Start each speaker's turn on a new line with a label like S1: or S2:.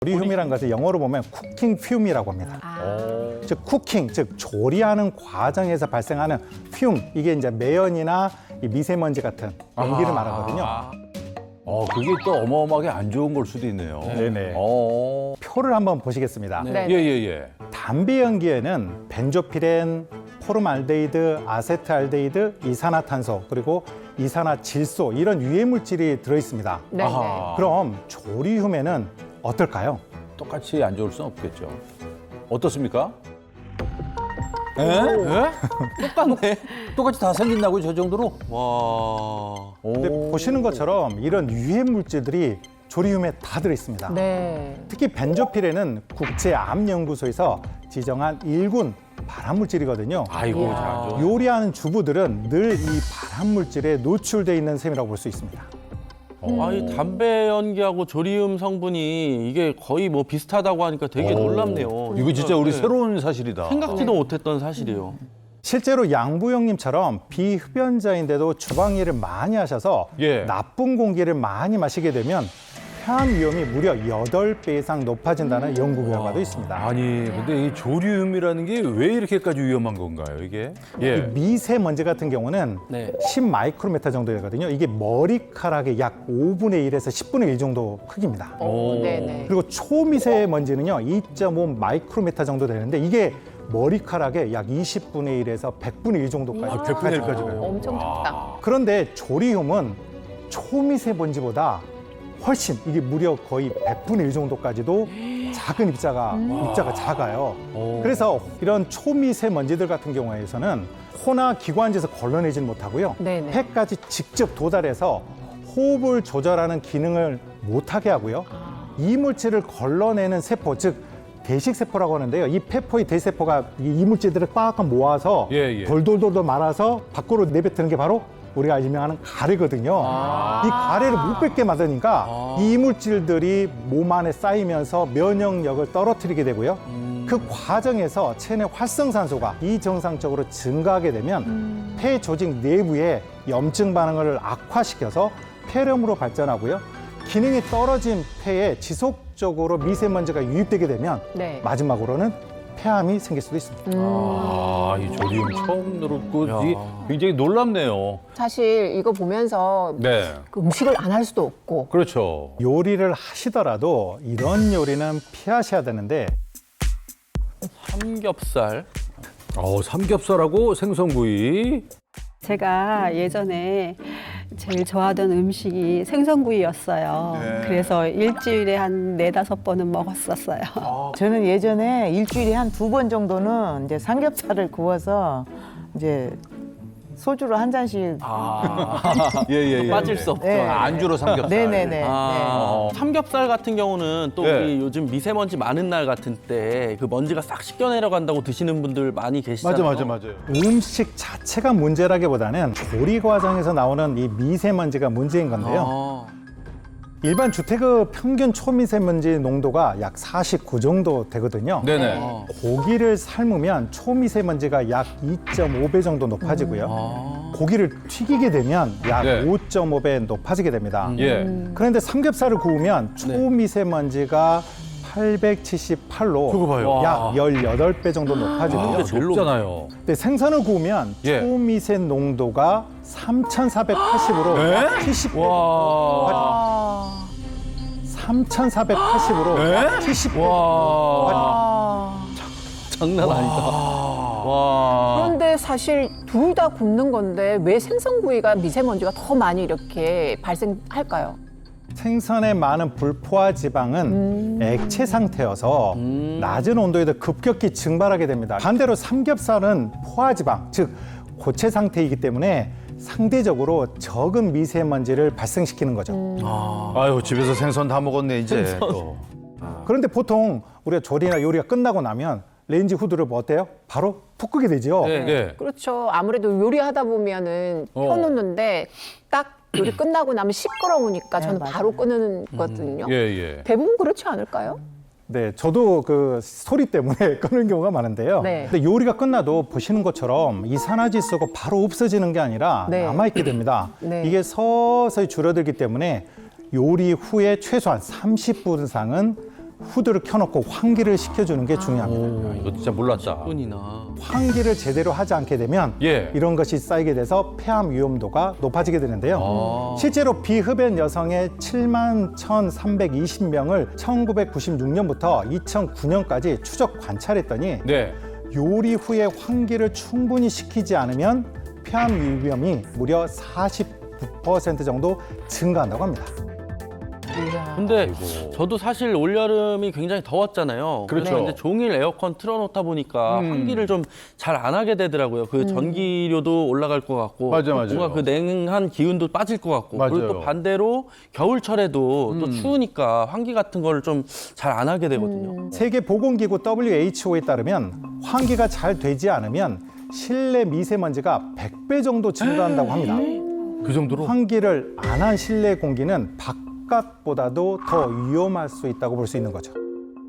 S1: 조리휴이라는 것을 영어로 보면 쿠킹 퓨움이라고 합니다. 즉 쿠킹, 즉 조리하는 과정에서 발생하는 퓨움, 이게 이제 매연이나 이 미세먼지 같은 연기를 말하거든요.
S2: 그게 또 어마어마하게 안 좋은 걸 수도 있네요.
S1: 네네. 표를 한번 보시겠습니다.
S3: 네.
S2: 예.
S1: 담배 연기에는 벤조피렌, 포름알데히드, 아세트알데히드, 이산화탄소, 그리고 이산화질소 이런 유해 물질이 들어 있습니다.
S3: 네.
S1: 그럼 조리휴에는 어떨까요?
S2: 똑같이 안 좋을 수는 없겠죠. 어떻습니까? 똑같네. 똑같이 다 생긴다고요, 저 정도로? 와.
S1: 근데 보시는 것처럼 이런 유해 물질들이 조리휴에 다 들어 있습니다.
S3: 네.
S1: 특히 벤조피렌은 국제암연구소에서 지정한 1군 발암물질이거든요.
S2: 아이고,
S3: 이야.
S2: 잘 좋아.
S1: 요리하는 주부들은 늘 이 발암물질에 노출돼 있는 셈이라고 볼 수 있습니다.
S4: 아니 담배 연기하고 조리움 성분이 이게 거의 뭐 비슷하다고 하니까 되게 놀랍네요.
S2: 이거 진짜 우리
S4: 네.
S2: 새로운 사실이다.
S4: 생각지도 못했던 사실이에요.
S1: 실제로 양부영님처럼 비흡연자인데도 주방 일을 많이 하셔서
S2: 예.
S1: 나쁜 공기를 많이 마시게 되면 폐암 위험이 무려 8배 이상 높아진다는 연구 결과도 있습니다.
S2: 아니, 근데 이 조리움이라는 게 왜 이렇게까지 위험한 건가요, 이게?
S1: 이 미세먼지 같은 경우는
S4: 네.
S1: 10 마이크로메타 정도 되거든요. 이게 머리카락의 약 5분의 1에서 10분의 1 정도 크기입니다.
S3: 네네.
S1: 그리고 초미세먼지는요, 2.5 마이크로메타 정도 되는데 이게 머리카락의 약 20분의 1에서 100분의 1 정도까지
S2: 100분의 1 까지 가요.
S3: 엄청 작다.
S1: 그런데 조리움은 초미세먼지보다 훨씬 이게 무려 거의 100분의 1 정도까지도 작은 입자가 작아요. 그래서 이런 초미세먼지들 같은 경우에서는 코나 기관지에서 걸러내지는 못하고요.
S3: 네네.
S1: 폐까지 직접 도달해서 호흡을 조절하는 기능을 못하게 하고요. 이 물질을 걸러내는 세포, 즉 대식세포라고 하는데요. 이 폐포의 대세포가 이 이물질들을 꽉꽉 모아서
S2: 예.
S1: 돌돌돌 말아서 밖으로 내뱉는 게 바로 우리가 일명하는 가래거든요. 이 가래를 못 뱉게 만드니까 이 이물질들이 몸 안에 쌓이면서 면역력을 떨어뜨리게 되고요. 그 과정에서 체내 활성산소가 이정상적으로 증가하게 되면 폐 조직 내부에 염증 반응을 악화시켜서 폐렴으로 발전하고요. 기능이 떨어진 폐에 지속적으로 미세먼지가 유입되게 되면
S3: 네.
S1: 마지막으로는 폐암이 생길 수도 있습니다.
S2: 이 조리움 처음 들었고 이게 굉장히 놀랍네요.
S3: 사실 이거 보면서
S2: 네.
S3: 그 음식을 안 할 수도 없고.
S2: 그렇죠.
S1: 요리를 하시더라도 이런 요리는 피하셔야 되는데
S4: 삼겹살.
S2: 삼겹살하고 생선구이.
S5: 제가 예전에 제일 좋아하던 음식이 생선구이였어요. 그래서 일주일에 한 4-5번은 먹었었어요.
S6: 저는 예전에 일주일에 한 2번 정도는 이제 삼겹살을 구워서 이제 소주로 한 잔씩.
S2: 예.
S4: 빠질 수 없죠.
S6: 네.
S2: 안주로 삼겹살.
S6: 네네네.
S4: 삼겹살 같은 경우는 또
S2: 네.
S4: 우리 요즘 미세먼지 많은 날 같은 때 그 먼지가 싹 씻겨 내려간다고 드시는 분들 많이 계시잖아요.
S2: 맞아요.
S1: 음식 자체가 문제라기보다는 조리 과정에서 나오는 이 미세먼지가 문제인 건데요. 일반 주택의 평균 초미세먼지 농도가 약 49 정도 되거든요.
S2: 네네.
S1: 고기를 삶으면 초미세먼지가 약 2.5배 정도 높아지고요. 고기를 튀기게 되면 약
S2: 네.
S1: 5.5배 높아지게 됩니다.
S2: 예.
S1: 그런데 삼겹살을 구우면 초미세먼지가 878로
S2: 그거 봐요.
S1: 약 18배 정도 높아지고요.
S4: 그게 제일
S2: 높잖아요.
S1: 근데 생선을 구우면
S2: 예.
S1: 초미세 농도가 3,480으로
S2: 네?
S1: 70배.
S2: 와.
S1: 3,480으로
S2: 네?
S1: 70배.
S2: 와.
S4: 장난 아니다. 와.
S3: 그런데 사실 둘 다 굽는 건데 왜 생선구이가 미세먼지가 더 많이 이렇게 발생할까요?
S1: 생선의 많은 불포화 지방은 액체 상태여서 낮은 온도에도 급격히 증발하게 됩니다. 반대로 삼겹살은 포화 지방, 즉 고체 상태이기 때문에 상대적으로 적은 미세먼지를 발생시키는 거죠.
S2: 아유, 집에서 생선 다 먹었네, 이제. 또.
S1: 그런데 보통 우리가 조리나 요리가 끝나고 나면 레인지 후드를 뭐 어때요? 바로 푹 끄게 되죠.
S4: 네.
S2: 예.
S3: 그렇죠. 아무래도 요리하다 보면은 펴놓는데 딱 요리 끝나고 나면 시끄러우니까 저는
S6: 맞아요.
S3: 바로 끄는 거거든요.
S2: 예.
S3: 대부분 그렇지 않을까요?
S1: 네, 저도 그 소리 때문에 끄는 경우가 많은데요.
S3: 네.
S1: 근데 요리가 끝나도 보시는 것처럼 이산화질소가 바로 없어지는 게 아니라
S3: 네.
S1: 남아있게 됩니다.
S3: 네.
S1: 이게 서서히 줄어들기 때문에 요리 후에 최소한 30분 이상은 후드를 켜놓고 환기를 시켜주는 게 중요합니다.
S2: 야, 이거 진짜 몰랐다.
S4: 뿐이나.
S1: 환기를 제대로 하지 않게 되면
S2: 예.
S1: 이런 것이 쌓이게 돼서 폐암 위험도가 높아지게 되는데요. 실제로 비흡연 여성의 7만 1,320명을 1996년부터 2009년까지 추적 관찰했더니
S2: 네.
S1: 요리 후에 환기를 충분히 시키지 않으면 폐암 위험이 무려 49% 정도 증가한다고 합니다.
S4: 근데 저도 사실 올여름이 굉장히 더웠잖아요.
S2: 그렇죠.
S4: 그래서 이제 종일 에어컨 틀어놓다 보니까 환기를 좀 잘 안 하게 되더라고요. 그 전기료도 올라갈 것 같고,
S2: 맞아요.
S4: 뭔가 그 냉한 기운도 빠질 것 같고,
S2: 맞아요.
S4: 그리고 또 반대로 겨울철에도 또 추우니까 환기 같은 걸 좀 잘 안 하게 되거든요.
S1: 세계보건기구 WHO에 따르면 환기가 잘 되지 않으면 실내 미세먼지가 100배 정도 증가한다고 합니다.
S2: 그 정도로?
S1: 환기를 안 한 실내 공기는 바깥보다도 더 위험할 수 있다고 볼 수 있는 거죠.